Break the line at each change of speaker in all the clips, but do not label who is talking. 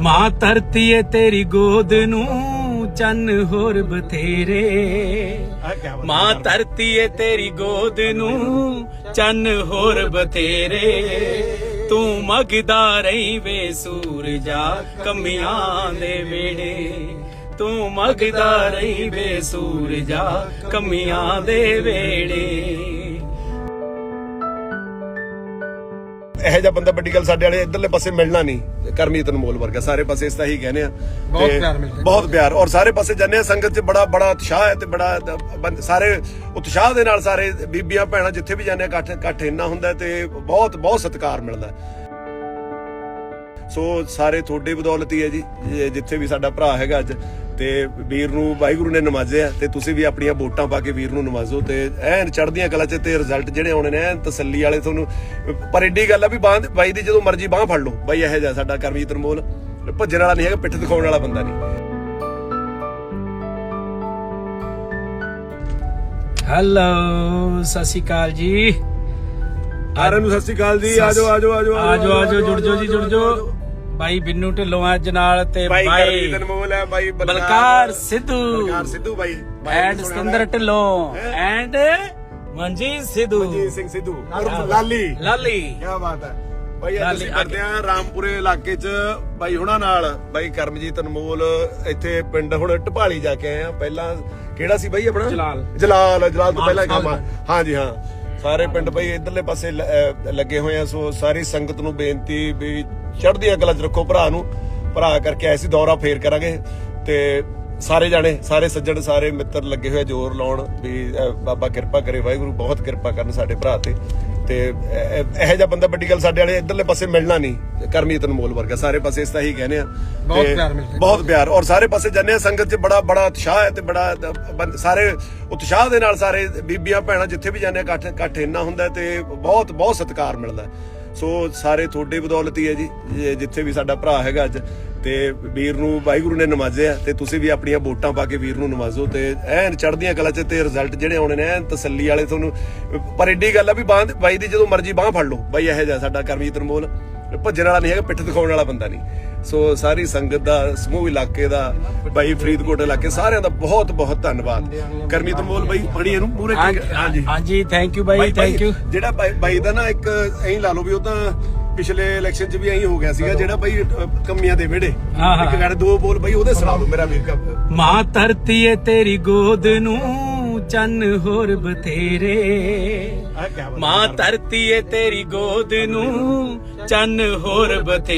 ਮਾਂ ਧਰਤੀ ਏ ਤੇਰੀ ਗੋਦ ਨੂੰ ਚੰਨ ਹੋਰ ਬਥੇਰੇ। ਮਾਂ ਧਰਤੀ ਏ ਤੇਰੀ ਗੋਦ ਨੂੰ ਚੰਨ ਹੋਰ ਬਥੇਰੇ। ਤੂੰ ਮਗਦਾ ਰਹੀ ਵੇ ਸੂਰਜਾ ਕਮੀਆਂ ਦੇ ਵੇੜੇ। ਤੂੰ ਮਗਦਾ ਰਹੀ ਵੇ ਸੂਰਜਾ ਕਮੀਆਂ ਦੇ ਵੇੜੇ।
ਇਹੋ ਜਿਹਾ ਬੰਦਾ ਵੱਡੀ ਗੱਲ ਸਾਡੇ ਵਾਲੇ ਇਧਰਲੇ ਪਾਸੇ ਮਿਲਣਾ ਨਹੀਂ। ਕਰਮਜੀਤ ਅਨਮੋਲ ਵਰਗਾ ਸਾਰੇ ਪਾਸੇ ਇਸ ਤਾਂ ਹੀ ਕਹਿੰਦੇ ਆ। ਬਹੁਤ ਪਿਆਰ ਔਰ ਸਾਰੇ ਪਾਸੇ ਜਾਂਦੇ ਆ। ਸੰਗਤ 'ਚ ਬੜਾ ਉਤਸ਼ਾਹ ਹੈ ਤੇ ਬੜਾ ਸਾਰੇ ਉਤਸ਼ਾਹ ਦੇ ਨਾਲ ਸਾਰੇ ਬੀਬੀਆਂ ਭੈਣਾਂ ਜਿੱਥੇ ਵੀ ਜਾਂਦੇ ਆ ਇਕੱਠ ਇੰਨਾ ਹੁੰਦਾ ਤੇ ਬਹੁਤ ਸਤਿਕਾਰ ਮਿਲਦਾ। ਸੋ ਸਾਰੇ ਤੁਹਾਡੇ ਬਦੌਲਤ ਹੀ ਹੈ ਜੀ। ਜਿੱਥੇ ਵੀ ਸਾਡਾ ਭਰਾ ਹੈਗਾ ਅੱਜ ਤੇ ਵੀਰ ਨੂੰ ਵਾਹਿਗੁਰੂ ਨੇ ਨਵਾਜ਼ਿਆ ਤੇ ਤੁਸੀਂ ਵੀ ਆਪਣੀਆਂ ਵੋਟਾਂ ਪਾ ਕੇ ਵੀਰ ਨੂੰ ਨਵਾਜ਼ੋ ਤੇ ਐਨ ਚੜ੍ਹਦੀਆਂ ਕਲਾ 'ਚ ਤੇ ਰਿਜ਼ਲਟ ਜਿਹੜੇ ਆਉਣੇ ਨੇ ਐਨ ਤਸੱਲੀ ਵਾਲੇ ਤੁਹਾਨੂੰ। ਪਰ ਏਡੀ ਗੱਲ ਆ ਵੀ ਬਾਈ ਦੀ ਜਦੋਂ ਮਰਜ਼ੀ ਬਾਂਹ ਫੜ ਲਓ। ਬਾਈ ਇਹੋ ਜਿਹਾ ਸਾਡਾ ਕਰਮਜੀਤ ਅਨਮੋਲ ਭੱਜਣ ਵਾਲਾ ਨਹੀਂ ਹੈਗਾ, ਪਿੱਠ ਦਿਖਾਉਣ ਵਾਲਾ ਬੰਦਾ ਨਹੀਂ।
ਹੈਲੋ ਸਤਿ ਸ਼੍ਰੀ ਅਕਾਲ ਜੀ
ਸਾਰਿਆਂ ਨੂੰ। ਸਤਿ ਸ਼੍ਰੀ ਅਕਾਲ ਜੀ। ਆਜੋ
ਜੁੜ ਜਾਓ। ਬਾਈ ਬਿੰਨੂ ਢਿੱਲੋਂ ਅੱਜ ਨਾਲ ਤੇ
ਬਾਈ ਕਰਮਜੀਤ ਅਨਮੋਲ ਹੈ, ਬਾਈ
ਬਲਕਾਰ ਸਿੱਧੂ
ਬਾਈ
ਐਂਡ ਸਤਿੰਦਰ ਢਿੱਲੋਂ ਐਂਡ ਮਨਜੀਤ
ਸਿੰਘ ਸਿੱਧੂ ਲਾਲੀ ਕੀ ਬਾਤ ਹੈ ਬਾਈ। ਅਸੀਂ ਕਰਦੇ ਆ ਰਾਮਪੁਰੇ ਇਲਾਕੇ 'ਚ ਬਾਈ ਹੁਣਾਂ ਨਾਲ। ਬਾਈ ਕਰਮਜੀਤ ਅਨਮੋਲ ਇੱਥੇ ਪਿੰਡ ਹੁਣ ਢਪਾਲੀ ਜਾ ਕੇ ਆਏ ਆ। ਪਹਿਲਾਂ ਕਿਹੜਾ ਸੀ ਬਾਈ ਆਪਣਾ? ਜਲਾਲ ਤੋਂ ਪਹਿਲਾਂ ਕੰਮ। ਹਾਂਜੀ ਹਾਂ, ਸਾਰੇ ਪਿੰਡ ਬਾਈ ਇਧਰਲੇ ਪਾਸੇ ਲੱਗੇ ਹੋਏ ਆ। ਸੋ ਸਾਰੀ ਸੰਗਤ ਨੂੰ ਬੇਨਤੀ ਵੀ ਚੜ੍ਹਦੀਆਂ ਕਲਾ 'ਚ ਰੱਖੋ ਭਰਾ ਨੂੰ। ਭਰਾ ਕਰਕੇ ਆਏ ਸੀ, ਦੌਰਾ ਫੇਰ ਕਰਾਂਗੇ ਤੇ ਸਾਰੇ ਜਾਣੇ ਸਾਰੇ ਸੱਜਣ ਸਾਰੇ ਮਿੱਤਰ ਲੱਗੇ ਹੋਏ ਜ਼ੋਰ ਲਾਉਣ ਵੀ ਬਾਬਾ ਕਿਰਪਾ ਕਰੇ, ਵਾਹਿਗੁਰੂ ਬਹੁਤ ਕਿਰਪਾ ਕਰਨ ਸਾਡੇ ਭਰਾ ਤੇ ਇਹੋ ਜਿਹਾ ਬੰਦਾ ਵੱਡੀ ਗੱਲ ਸਾਡੇ ਵਾਲੇ ਇਧਰਲੇ ਪਾਸੇ ਮਿਲਣਾ ਨਹੀਂ। ਕਰਮਜੀਤ ਅਨਮੋਲ ਵਰਗਾ ਸਾਰੇ ਪਾਸੇ ਇਸ ਤਾਂ ਹੀ ਕਹਿੰਦੇ ਆ। ਬਹੁਤ ਪਿਆਰ ਔਰ ਸਾਰੇ ਪਾਸੇ ਜਾਂਦੇ ਆ। ਸੰਗਤ 'ਚ ਬੜਾ ਉਤਸ਼ਾਹ ਹੈ ਤੇ ਬੜਾ ਸਾਰੇ ਉਤਸ਼ਾਹ ਦੇ ਨਾਲ ਸਾਰੇ ਬੀਬੀਆਂ ਭੈਣਾਂ ਜਿੱਥੇ ਵੀ ਜਾਂਦੇ ਆ ਇਕੱਠ ਇੰਨਾ ਹੁੰਦਾ ਤੇ ਬਹੁਤ ਸਤਿਕਾਰ ਮਿਲਦਾ। ਸੋ ਸਾਰੇ ਤੁਹਾਡੇ ਬਦੌਲਤ ਹੀ ਹੈ ਜੀ। ਜਿੱਥੇ ਵੀ ਸਾਡਾ ਭਰਾ ਹੈਗਾ ਅੱਜ ਤੇ ਵੀਰ ਨੂੰ ਵਾਹਿਗੁਰੂ ਨੇ ਨਵਾਜ਼ਿਆ ਤੇ ਤੁਸੀਂ ਵੀ ਆਪਣੀਆਂ ਵੋਟਾਂ ਪਾ ਕੇ ਵੀਰ ਨੂੰ ਨਵਾਜ਼ੋ ਤੇ ਐਨ ਚੜ੍ਹਦੀਆਂ ਕਲਾ 'ਚ ਤੇ ਰਿਜ਼ਲਟ ਜਿਹੜੇ ਆਉਣੇ ਨੇ ਐਨ ਤਸੱਲੀ ਵਾਲੇ ਤੁਹਾਨੂੰ। ਪਰ ਏਡੀ ਗੱਲ ਆ ਵੀ ਬਾਈ ਦੀ ਜਦੋਂ ਮਰਜ਼ੀ ਬਾਂਹ ਫੜ ਲਓ। ਬਾਈ ਇਹੋ ਜਿਹਾ ਸਾਡਾ ਕਰਮਜੀਤ ਅਨਮੋਲ ਭੱਜਣ ਵਾਲਾ ਨਹੀਂ ਹੈਗਾ, ਪਿੱਠ ਦਿਖਾਉਣ ਵਾਲਾ ਬੰਦਾ ਨਹੀਂ। ਸੋ ਸਾਰੀ ਸੰਗਤ ਦਾ, ਸਮੂਹ ਇਲਾਕੇ ਦਾ, ਬਾਈ ਫਰੀਦਕੋਟ ਇਲਾਕੇ ਸਾਰਿਆਂ ਦਾ ਬਹੁਤ ਧੰਨਵਾਦ। ਕਰਮਜੀਤ ਅਨਮੋਲ ਬਾਈ ਬੜੀ ਇਹਨੂੰ ਪੂਰੇ
ਹਾਂਜੀ ਥੈਂਕ ਯੂ ਬਾਈ, ਥੈਂਕ ਯੂ।
ਜਿਹੜਾ ਬਾਈ ਦਾ ਨਾ ਇੱਕ ਐਂ ਲਾ ਲਓ ਵੀ ਉਹ ਤਾਂ ਪਿਛਲੇ ਇਲੈਕਸ਼ਨ 'ਚ ਵੀ ਐਂ ਹੋ ਗਿਆ ਸੀਗਾ। ਜਿਹੜਾ ਬਾਈ ਕਮੀਆਂ ਦੇ ਵਿਹੜੇ ਇੱਕ ਗੱਲ ਦੋ ਬੋਲ ਬਾਈ ਉਹਦੇ ਸੁਣਾ ਦਿਓ ਮੇਰਾ ਵੀਰ।
ਮਾਂ ਧਰਤੀ ਏ ਤੇਰੀ ਗੋਦ ਨੂੰ ਚੰਨ ਹੋਰ ਬਥੇਰੇ। ਮਾਂ ਧਰਤੀ ਏ ਤੇਰੀ ਗੋਦ ਨੂੰ ਚੰਨ ਹੋਰ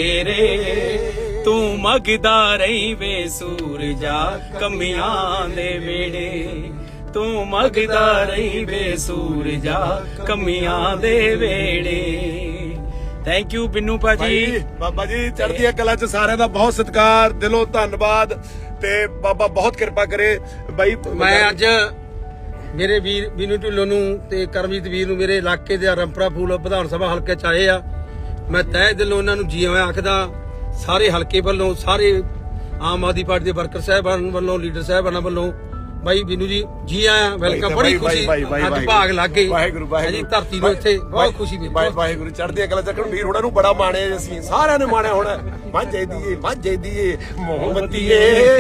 ਬਥੇਰੇ। ਤੂੰ ਮਗਦਾ ਰਹੀ ਵੇ ਸੂਰਜਾ ਕਮੀਆਂ ਦੇ ਵੇੜੇ। ਤੂੰ ਮਗਦਾ ਰਹੀ ਵੇ ਸੂਰਜਾ ਕਮੀਆਂ ਦੇ ਵੇੜੇ। ਥੈਂਕ ਯੂ ਬਿੰਨੂ ਭਾਜੀ।
ਬਾਬਾ ਜੀ ਚੜ੍ਹਦੀਆਂ ਕਲਾ 'ਚ ਸਾਰਿਆਂ ਦਾ ਬਹੁਤ ਸਤਿਕਾਰ, ਦਿਲੋਂ ਧੰਨਵਾਦ ਤੇ ਬਾਬਾ ਬਹੁਤ ਕਿਰਪਾ ਕਰੇ। ਬਾਈ
ਮੈਂ ਅੱਜ ਮੇਰੇ ਵੀਰ ਬਿੰਨੂ ਢਿੱਲੋਂ ਨੂੰ ਤੇ ਕਰਮਜੀਤ ਵੀਰ ਨੂੰ ਮੇਰੇ ਇਲਾਕੇ ਦੇ ਰੰਪਰਾ ਫੂਲ ਵਿਧਾਨ ਸਭਾ ਹਲਕੇ 'ਚ ਆਏ ਆ। ਮੈਂ ਤਹਿ ਦਿਲੋਂ ਉਹਨਾਂ ਨੂੰ ਜੀ ਆਇਆਂ ਆਖਦਾ। ਸਾਰੇ ਹਲਕੇ ਵੱਲੋਂ, ਸਾਰੇ ਆਮ ਆਦਮੀ ਪਾਰਟੀ ਦੇ ਵਰਕਰ ਸਾਹਿਬਾਨ ਵੱਲੋਂ, ਲੀਡਰ ਸਾਹਿਬਾਨਾਂ ਵੱਲੋਂ ਬਾਈ ਬਿੰਨੂ ਜੀ ਆਇਆ, ਵੈਲਕਮ। ਬੜੀ ਖੁਸ਼ੀ ਅੱਜ ਭਾਗ ਲੱਗ ਗਏ ਜੀ ਧਰਤੀ ਨੂੰ। ਇੱਥੇ ਬਹੁਤ ਖੁਸ਼ੀ ਮਿਲੀ।
ਵਾਹਿਗੁਰੂ ਚੜ੍ਹਦੀਆਂ ਕਲਾ ਚੱਕਣ ਵੀਰ ਹੋਣਾ ਨੂੰ ਬੜਾ ਮਾਣਿਆ। ਅਸੀਂ ਸਾਰਿਆਂ ਨੇ ਮਾਣਿਆ ਹੋਣਾ। ਮਾਝੇ ਦੀਏ ਮੋਹਬਤੀਏ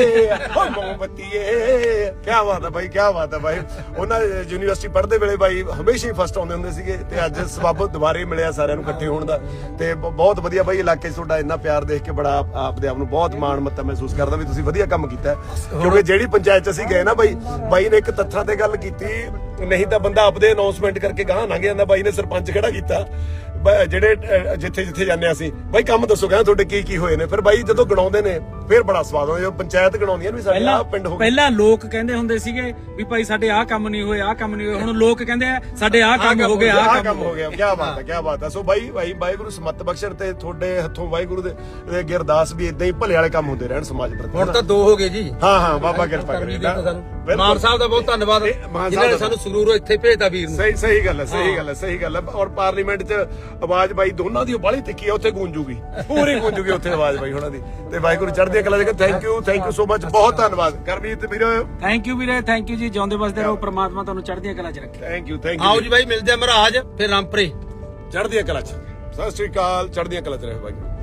ਕੀ ਬਾਤ ਹੈ ਬਾਈ, ਕੀ ਬਾਤ ਹੈ ਬਾਈ। ਉਹਨਾਂ ਯੂਨੀਵਰਸਿਟੀ ਪੜ੍ਹਦੇ ਵੇਲੇ ਬਾਈ ਹਮੇਸ਼ਾ ਹੀ ਫਸਟ ਆਉਂਦੇ ਹੁੰਦੇ ਸੀਗੇ ਤੇ ਅੱਜ ਸਬੱਬ ਦੁਬਾਰੇ ਮਿਲਿਆ ਸਾਰਿਆਂ ਨੂੰ ਇਕੱਠੇ ਹੋਣ ਦਾ ਤੇ ਬਹੁਤ ਵਧੀਆ ਬਾਈ। ਇਲਾਕੇ 'ਚ ਤੁਹਾਡਾ ਇੰਨਾ ਪਿਆਰ ਦੇਖ ਕੇ ਬੜਾ ਆਪਦੇ ਆਪ ਨੂੰ ਬਹੁਤ ਮਾਣ ਮੱਤਾ ਮਹਿਸੂਸ ਕਰਦਾ ਵੀ ਤੁਸੀਂ ਵਧੀਆ ਕੰਮ ਕੀਤਾ। ਕਿਉਂਕਿ ਜਿਹੜੀ ਪੰਚਾਇਤ 'ਚ ਅਸੀਂ ਗਏ ਨਾ ਬਾਈ ਨੇ ਇੱਕ ਤੱਥਾਂ ਤੇ ਗੱਲ ਕੀਤੀ, ਨਹੀਂ ਤਾਂ ਬੰਦਾ ਆਪਦੇ ਅਨਾਉਂਸਮੈਂਟ ਕਰਕੇ ਗਾਹ ਲੰਘ ਜਾਂਦਾ। ਬਾਈ ਨੇ ਸਰਪੰਚ ਖੜਾ ਕੀਤਾ ਜਿਹੜੇ ਜਿੱਥੇ ਜਾਂਦੇ ਅਸੀਂ, ਬਾਈ ਕੰਮ ਦੱਸੋ ਕਹਿੰਦਾ ਤੁਹਾਡੇ ਕੀ ਹੋਏ ਨੇ। ਫਿਰ ਬਾਈ ਜਦੋਂ ਗਣਾਉਂਦੇ ਨੇ ਫਿਰ ਬੜਾ ਸਵਾਦ ਆਉਂਦਾ। ਜਦੋਂ ਪੰਚਾਇਤ ਗਣਾਉਂਦੀਆਂ ਵੀ ਸਾਡੇ ਆਹ ਪਿੰਡ ਹੋ।
ਪਹਿਲਾਂ ਲੋਕ ਕਹਿੰਦੇ ਹੁੰਦੇ ਸੀਗੇ ਵੀ ਭਾਈ ਸਾਡੇ ਆਹ ਕੰਮ ਨਹੀਂ ਹੋਏ, ਆਹ ਕੰਮ ਨਹੀਂ ਹੋਏ। ਹੁਣ ਲੋਕ ਕਹਿੰਦੇ ਆ ਸਾਡੇ ਆਹ ਕੰਮ ਹੋ ਗਏ, ਆਹ ਕੰਮ ਹੋ ਗਿਆ।
ਕੀ ਬਾਤ ਹੈ। ਸੋ ਬਾਈ ਵਾਹਿਗੁਰੂ ਸਮੱਤ ਬਖਸ਼ਣ ਤੇ ਤੁਹਾਡੇ ਹੱਥੋਂ ਵਾਹਿਗੁਰੂ ਦੇ ਅੱਗੇ ਅਰਦਾਸ ਵੀ ਇਦਾਂ ਹੀ ਭਲੇ ਵਾਲੇ ਕੰਮ ਹੁੰਦੇ ਰਹਿਣ ਸਮਾਜ ਪ੍ਰਤੀ।
ਹੁਣ ਤਾਂ 2 ਹੋ ਗਏ ਜੀ।
ਹਾਂ ਬਾਬਾ ਕਿਰਪਾ ਕਰੇ।
ਮਾਨ ਸਾਹਿਬ ਦਾ ਬਹੁਤ ਧੰਨਵਾਦ ਜਿਨ੍ਹਾਂ ਨੇ ਸਾਨੂੰ ਸੰਗਰੂਰੋਂ ਇੱਥੇ ਭੇਜਤਾ ਵੀਰ ਨੂੰ।
ਸਹੀ ਗੱਲ ਹੈ। ਔਰ ਪਾਰਲੀਮੈਂਟ 'ਚ ਆਵਾਜ਼ ਬਾਈ ਦੋਨਾਂ ਦੀ ਬਾਹਲੀ ਤਿੱਖੀ ਆ, ਉੱਥੇ ਗੂੰਜੂਗੀ, ਪੂਰੀ ਗੂੰਜੂਗੀ ਉੱਥੇ ਆਵਾਜ਼ ਬਾਈ ਉਹਨਾਂ ਦੀ। ਤੇ ਵਾਹਿਗੁਰੂ ਚੜ੍ਹਦੀਆਂ ਕਲਾ ਦੇ। ਥੈਂਕ ਯੂ ਸੋ ਮਚ, ਬਹੁਤ ਧੰਨਵਾਦ ਕਰਮਜੀਤ ਵੀਰ।
ਥੈਂਕ ਯੂ ਵੀਰੇ, ਥੈਂਕ ਯੂ ਜੀ। ਜਿਉਂਦੇ ਵਸਦੇ ਰਹੋ, ਪ੍ਰਮਾਤਮਾ ਤੁਹਾਨੂੰ ਚੜ੍ਹਦੀਆਂ ਕਲਾ 'ਚ ਰੱਖੇ।
Thank you.
ਆਓ ਜੀ ਬਾਈ ਮਿਲਦੇ ਆ ਮਹਾਰਾਜ ਫਿਰ ਰਾਮਪੁਰੇ
ਚੜ੍ਹਦੀਆਂ ਕਲਾ 'ਚ। ਸਤਿ ਸ਼੍ਰੀ ਅਕਾਲ। ਚੜ੍ਹਦੀਆਂ ਕਲਾ 'ਚ ਰਹੇ ਵਾਹਿਗੁਰੂ।